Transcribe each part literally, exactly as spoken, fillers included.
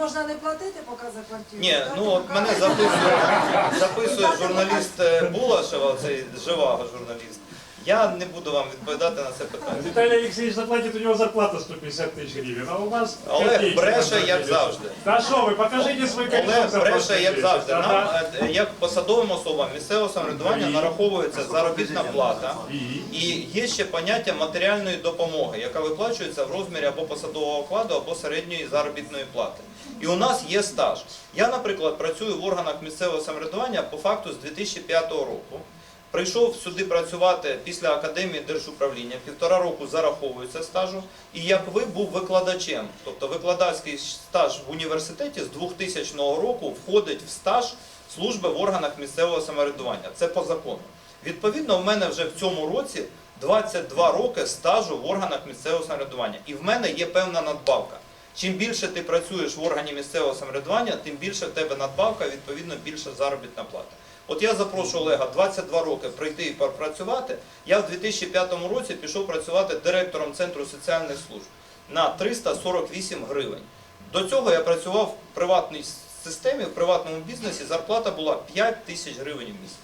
можна не платити поки за квартиру? Ні, так? ну от мене записує, записує журналіст Булашева, цей Живаго журналіст. Я не буду вам відповідати на це питання. Виталий Алексеевич заплатит, у него зарплата сто пятьдесят тысяч гривен, а у вас Олег бреше, як завжди. Да що ви, покажите свій кошелек. Олег бреше, як завжди. Нам, е, як посадовим особам місцевого самоврядування, нараховується заробітна плата. І є ще поняття матеріальної допомоги, яка виплачується в розмірі або посадового окладу, або середньої заробітної плати. І у нас є стаж. Я, наприклад, працюю в органах місцевого самоврядування по факту з дві тисячі п'ятого року. Прийшов сюди працювати після Академії держуправління, півтора року зараховується стажу, і як ви був викладачем, тобто викладацький стаж в університеті з двохтисячного року входить в стаж служби в органах місцевого самоврядування. Це по закону. Відповідно, в мене вже в цьому році двадцять два роки стажу в органах місцевого самоврядування. І в мене є певна надбавка. Чим більше ти працюєш в органі місцевого самоврядування, тим більше в тебе надбавка, відповідно більша заробітна плата. От я запрошу Олега двадцять два роки прийти і попрацювати. Я в дві тисячі п'ятому році пішов працювати директором Центру соціальних служб на триста сорок вісім гривень. До цього я працював в приватній системі, в приватному бізнесі, зарплата була п'ять тисяч гривень в місяць.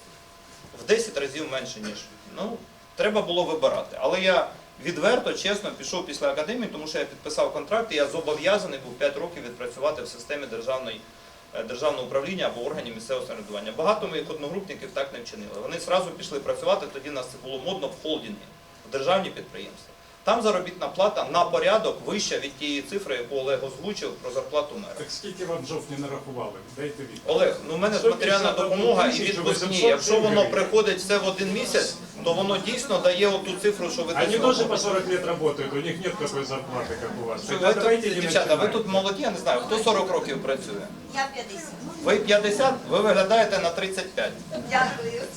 В десять разів менше, ніж. Ну, треба було вибирати. Але я відверто, чесно пішов після академії, тому що я підписав контракт і я зобов'язаний був п'ять років відпрацювати в системі державної державного управління або органів місцевого самоврядування. Багато моїх одногрупників так не вчинили. Вони одразу пішли працювати, тоді в нас це було модно в холдинги, в державні підприємства. Там заробітна плата на порядок вища від тієї цифри, яку Олег озвучив про зарплату мера. Так скільки вам жовтні нарахували? Дайте відповідь. Олег, ну в мене ж матеріальна допомога і відпускні. Якщо воно приходить все в один місяць, то воно дійсно дає оту цифру, що ви Они тоже по сорок лет работают, у них нет такой зарплаты, как у вас. Ви тут, дівчата, ви тут молоді, я не знаю, хто сорок років працює? Я п'ятдесят. Ви п'ятдесят, ви виглядаєте на тридцять п'ять. Дякую.